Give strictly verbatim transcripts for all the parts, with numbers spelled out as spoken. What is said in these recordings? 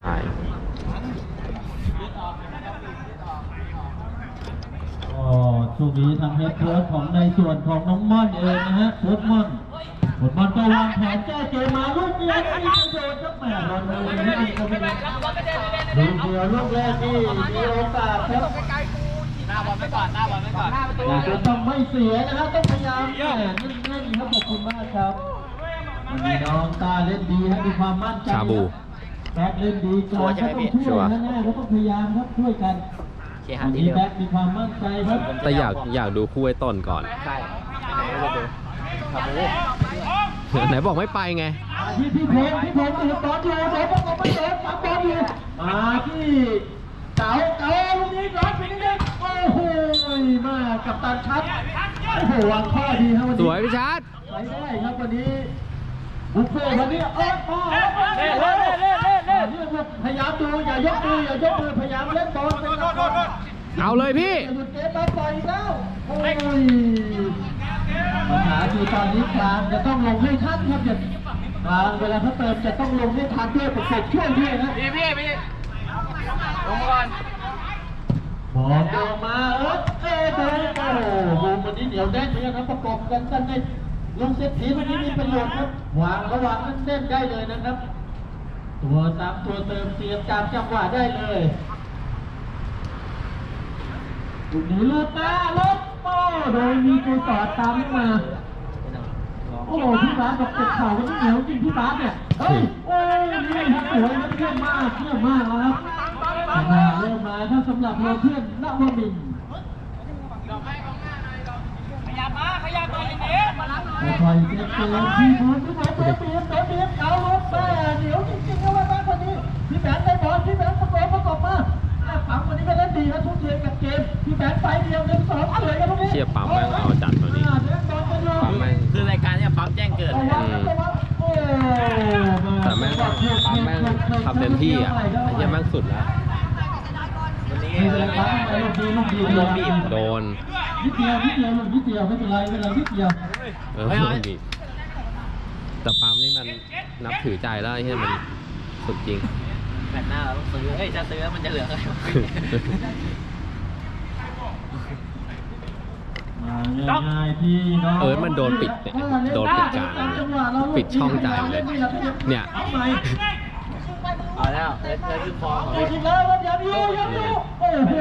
ใช่ก็ช่วงนี้ทางเฮดโค้ชของในส่วนของน้องม่อนเองนะฮะโค้ชม่อนผลบอลก็วางแผนแก้เกมมาลูกเดียวไม่มีประโยชน์ครับแหม่บอลเลยไม่มีก็ไม่ได้ลูกเดียวลูกแรกนี่มีโอกาสครับหน้าบอลไว้ก่อนหน้าบอลไว้ก่อนหน้าประตูแต่ต้องไม่เสียนะครับต้องพยายามแหม่นั่นๆครับขอบคุณมากครับวันนี้น้องตาเล่นดีครับมีความมั่นใจชาบูแบ็คเล่นดีก่อนก็ต้องช่วยแน่ๆก็ต้องพยายามครับช่วยกันวันนี้แบ็คมีความมั่นใจครับแต่อยากอยากดูคู่ไอ้ต้นก่อนใช่ไหนเราดูชาบูไหนบอกไม่ไปไงที่พี่เพชรพี่เพชรตื่นตอนอยู่เดี๋ยวพวกเราไปเดินปั๊บบอลอยู่มาที่เต๋าเต๋าลูกนี้ร้อนไปนิดนึงโอ้โหมากับตันชัดโอ้โหวางข้อดีครับวันสนี้วยพี่ชัดไปได้ครับวันนี้บุฟเฟ่วันนี้เออมาเล่นเล่นเล่นเล่นเล่นเรื่องพยายามดูอย่ายกมืออย่ายกมือพยายามเล่นบอลเป็นหลักก่อนเอาเลยพี่หยุดเกมมาปล่อยแล้วโอ้ยปัญหาคือตอนนี้กลางจะต้องลงให้ทันครับอย่ากลางเวลาเขาเติมจะต้องลงให้ทันด้วยประกบช่วยด้วยนะพี่พี่พี่ลงมาก่อนบอลออกมาเออเอ๊ะโอ้โหวันนี้เหนียวแน่นเหมือนกันนะประกบกันกันในลงเซตทีวันนี้มีประโยชน์ครับวางระหว่างนั้นเส้นได้เลยนะครับตัวตามตัวเติมเตรียมตามจังหวะได้เลยลูกนี้ลูกมาลูกโอ้โดยมีตัวต่อตามมาโอ้พี่บาสบอกเจ็บเข่าวันนี้เหนียวจริงพี่บาสเนี่ยเฮ้ยโอ้ยนี่ครับสวยเยี่ยมมากเยี่ยมมากครับมาเริ่มมาถ้าสำหรับเราเพื่อนนวมินทร์ขยับมาขยับมาอย่างนี้มาล้างหน่อยคอยเจ็บเจ็บพี่บอลพี่บอลเจ็บเจ็บเจ็บเจ็บเอารถแม่เหนียวจริงๆนะว่าบ้านคนนี้พี่แบงค์ได้บอลพี่แบงค์ประกบประกบมาปั๊มวันนี้ก็เล่นดีนะทุกเกมกับเกมพี่แบงค์ไปเดียวหนึ่งสองเลยกันตรงนี้เชียร์ปั๊มแม่งเอาจัดตัวนี้ปั๊มแม่งคือรายการเนี่ยปั๊มแจ้งเกิดแต่แม่งปั๊มแม่งทำเต็มที่อ่ะไอ้เหี้ยแม่งสุดแล้ววันนี้โดนบีบโดนนิดเดียวนิดเดียวนิดเดียวไม่เป็นไรไม่เป็นไรนิดเดียวเออโดนดิแต่ปั๊มนี่มันนับถือใจแล้วไอ้เหี้ยมันสุดจริงแมตช์หน้าเราต้องซื้อเฮ้ยจะซื้อมันจะเหลืออะไรง่ายๆที่น้องเออมันโดนปิดเนี่ยโดนปิดกลางเลยปิดช่องใจเลยเนี่ยเอาแล้วเล่นเล่นคือฟอร์มของโอ้พี่ยแล้วอย่าดูอย่าดูโอ้โห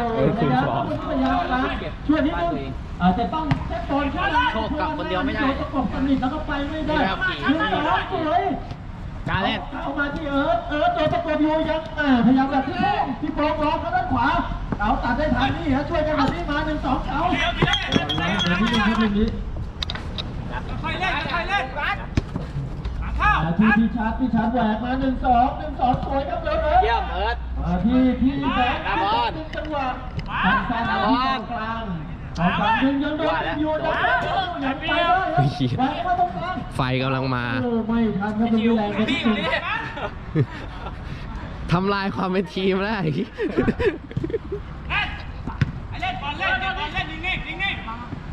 ช่วยนิดนึงอาจจะต้องแจ็คบอลขึ้นประกบสนิทแล้วก็ไปไม่ได้ยืนต่อสวยการเล่นเอามาที่เอิร์ธเอิร์ธตัวประกบอยู่ยังพยายามแบบที่ที่โปร่งร้องเขาด้านขวาเอาตัดได้ทันนี่ฮะช่วยกันแบบนี้มาหนึ่งสองเอาเดี๋ยวนี้เดี๋ยวนี้ค่อยเล่นค่อยเล่นรัดที่พี่ชาร์จพี่ชาร์จแหวกมาหนึ่งสองหนึ่งสองสวยครับเลยเอิร์ธเยี่ยมเอิร์ธที่พี่แบงค์ดึงจังหวะสั้นๆที่กลางกลางของกลางดึงยังโดนอยู่นะยังไปได้แหวกมาตรงกลางไฟกำลังมาไม่ทันครับมันแรงไปที่สุดทำลายความเป็นทีมแล้วไอ้เล่นบอลเล่นบอลเล่นนิ่งๆนิ่งๆ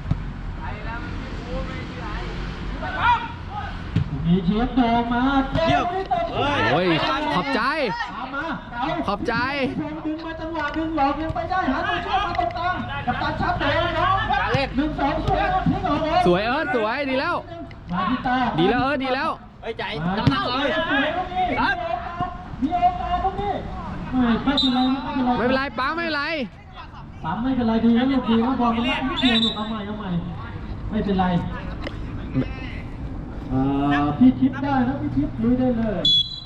มีเชียบโดมาเยี่ยมโอ้ยขอบใจมาขอบใจดึงมาจังหวะดึงหลอกยังไปได้หาตัวช่วยมาตรงกลางกับตาชัดเลยน้องหนึ่งสองสวยทิ้งออกเลยสวยเอิร์ธสวยดีแล้วมาที่ตาดีแล้วเอิร์ธดีแล้วเฮ้ยใจน้ำหนักเลยครับมีโอกาสตรงนี้ไม่ไม่เป็นไรไม่เป็นไรไม่เป็นไรป้าไม่เป็นไรปั๊มไม่เป็นไรดีแล้วลูกดีแล้วบอลมันไม่เกี่ยวลูกเอาใหม่เอาใหม่ไม่เป็นไรพี่ทิพย์ได้นะพี่ทิพย์ลุยได้เลย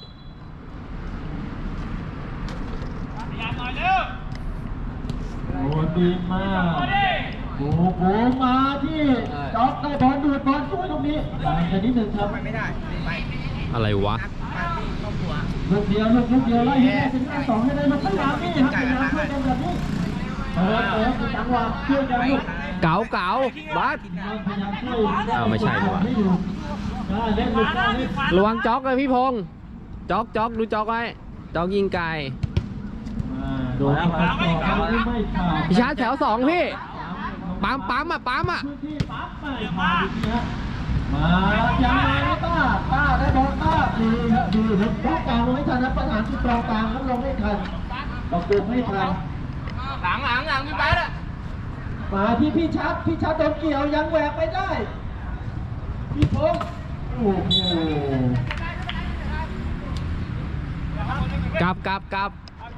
โอ้ดีมากโอ้โหมาที่จ็อกได้บอลดูดบอลช่วยตรงนี้ต่างกันนิดนึงครับไม่ได้อะไรวะลูกเดียวลูกลูกเดียวไล่ให้ได้เป็นหน้าสองให้ได้ลูกพยายามนี่ครับพยายามช่วยกันแบบนี้เออเออจังหวะช่วยกันลูกเก๋าเก๋าบัสพยายามช่วยอ้าวไม่ใช่ดีกว่าให้อยู่ได้เล่นลูกได้เล่นระวังจ็อกเลยพี่พงษ์จ็อกจ็อกดูจ็อกไว้จ็อกยิงไกลโดนแล้วครับไม่ขาดพี่ชาร์จแถวสองพี่ปั๊มปั๊มอ่ะปั๊มอ่ะพื้นที่ปั๊บไม่ขาดอีกนะมายังมาต้าต้าได้บอลต้าดีครับดีครับลูกกลางลงไม่ทันนะประหารที่ตรงกลางครับลงไม่ทันประกบไม่ทันหลังหลังหลังพี่บาสอ่ะมาที่พี่ชัดพี่ชัดโดนเกี่ยวยังแหวกไปได้พี่พงษ์โอ้โหกลับกลับกลับ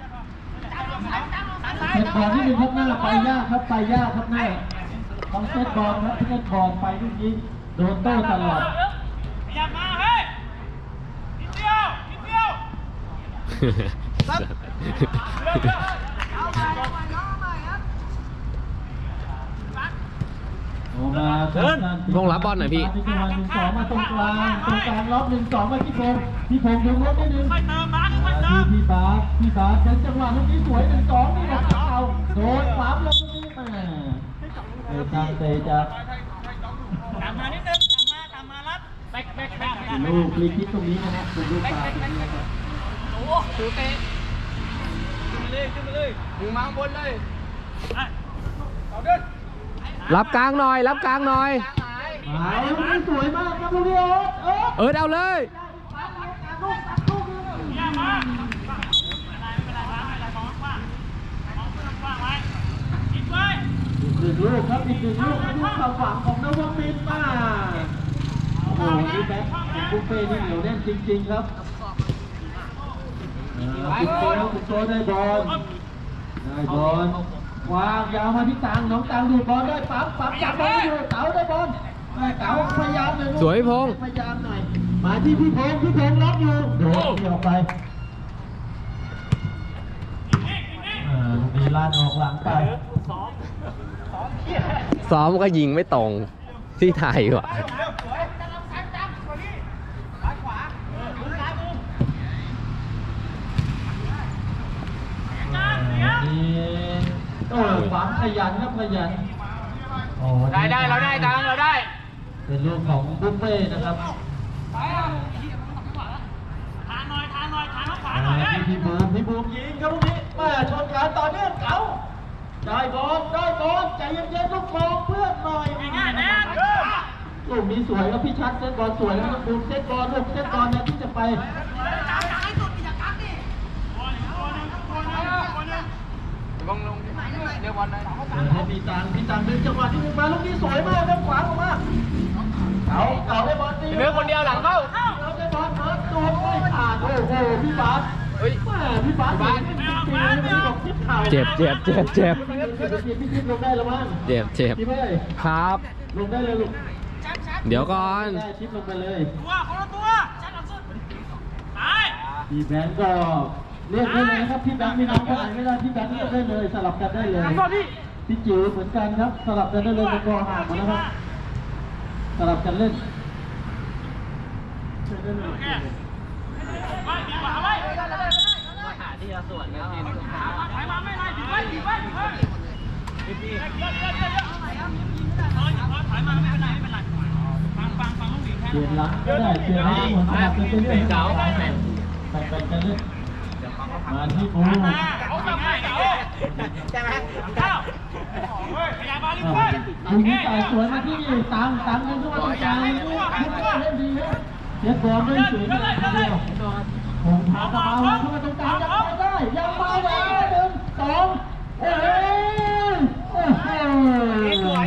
เซตบอลที่หนึ่งครับหน้าไปยากครับไปยากครับหน้าต้องเซตบอลครับที่เซตบอลไปลูกนี้โดนโต้ตลอดอย่ามาเฮ้ยนิดเดียวนิดเดียวโอ้มาพงษ์รับบอลหน่อยพี่ที่จังหวะหนึ่งสองมาตรงกลางตรงกลางล็อกหนึ่งสองมาพี่พงษ์พี่พงษ์ดึงรถได้หนึ่งค่อยเติมมาค่อยเติดูมพี่บาสพี่บาสเป็นจังหวะลูกนี้สวยหนึ่งสองนี่นะครับเอาโดนขวามลงตรงนี้มาเออทางเตะจะตามมานิดนึงตามมาตามมารับแบกแบกแบกลูกฟรีคิกตรงนี้นะฮะเป็นลูกปาดโอ้ดูเตะขึ้นมาเลยขึ้นมาเลยมึงมาข้างบนเลยเอาเดินรับกลางหน่อย รับกลางหน่อยมาลูกนี้สวยมากครับลูกนี้เอิร์ธเอิร์ธเอิร์ธเอาเลยอย่ามาไม่เป็นไรไม่เป็นไรมองกว้างมองกว้างไว้คิดไว้อีกหนึ่งลูกครับอีกหนึ่งลูกลูกความหวังของนวมินทร์มาโอ้โหนี่แบ็คของบุฟเฟ่นี่เหนียวแน่นจริงๆครับคุณโตคุณโตได้บอลได้บอลวางยาวมาที่ตังน้องตังดูบอลได้ปั๊บปั๊บจับบอลอยู่เต๋าได้บอลเต๋าพยายามเลยสวยพงษ์พยายามหน่อยมาที่พี่พงษ์พี่พงษ์ล็อกอยู่โดดเดี่ยวไปอ่าลูกนี้ลาดออกหลังไปซ้อมก็ยิงไม่ตรงที่ไทยว่ะนี่โอ้ฝังขยันครับขยันโอ้ได้ได้เราได้ตังเราได้เป็นลูกของบุฟเฟ่นะครับทานหน่อยทานหน่อยทานขวาหน่มาอยเฮ้ยที่พี่บูมพี่บูมยิงครับลูกนี้มาชนการต่อเนื่องเก๋าได้บอลได้บอลใจเย็นๆลูกมองเพื่อนหน่อยง่ายๆแน่เออลูกนี้สวยครับพี่ชัดเซตบอลสวยแล้วครับบูมเซตบอลลูกเซตบอลนะที่จะไปลงลงเดี๋ยวบอลได้ให้พี่ตังพี่ตังดึงจังหวะที่มึงมาลูกนี้สวยมากครับขวาออกมาเก๋าเก๋าได้บอลตีเนื้อคนเดียวหลังเข้าเก๋าได้บอลเนิร์ดโดนไม่ผ่านโอ้โหพี่บาสเฮ้ยแม่พี่บาสเห็นจริงๆไม่บอกทิศเข่าเจ็บเจ็บเจ็บเจ็บพี่พี่ทิศลงได้แล้วมั้งเจ็บเจ็บพี่เพ่ยครับลงได้เลยลูกเดี๋ยวก่อนได้ทิศลงไปเลยตัวคนละตัวชัดหลังสุดตายพี่แบงก์ก็เรียกได้เลยนะครับพี่แบงค์มีน้องคนไหนไม่ได้พี่แบงค์เรียกได้เลยสลับกันได้เลยพี่จิ๋วเหมือนกันครับสลับกันได้เลยเป็นกอห่างหมดนะครับสลับกันเล่นเชิญได้เลยไว้ดีกว่าไว้มาหาที่เราสวนกันทีสุดท้ายถอยมาไม่ไรถือไว้ถือไว้เฮ้ยเดี๋ยวเดี๋ยวเดี๋ยวเดี๋ยวเดี๋ยวเฮ้ยถอยมาไม่เป็นไรไม่เป็นไรฟังฟังฟังลูกหญิงแค่เปลี่ยนหลังก็ได้เปลี่ยนให้เหมือนสลับกันเป็นเล่นเก๋าแบ่งแบ่งกันเล่นมาที่ปูมาเขาทำให้เก๋าใช่ไหมเข้าเฮ้ยพยายามมาลิ้นอ่าเฟ้ยปูนี่จ่ายสวยมาที่ตังตังเล่นทุกวันตรงกลางเล่นดีครับเสียบอลด้วยสวยมากเดียวผมพาตะเบาเข้ามาตรงกลางยังมาได้ยังมาได้หนึ่งสองเอ้ยโอ้โห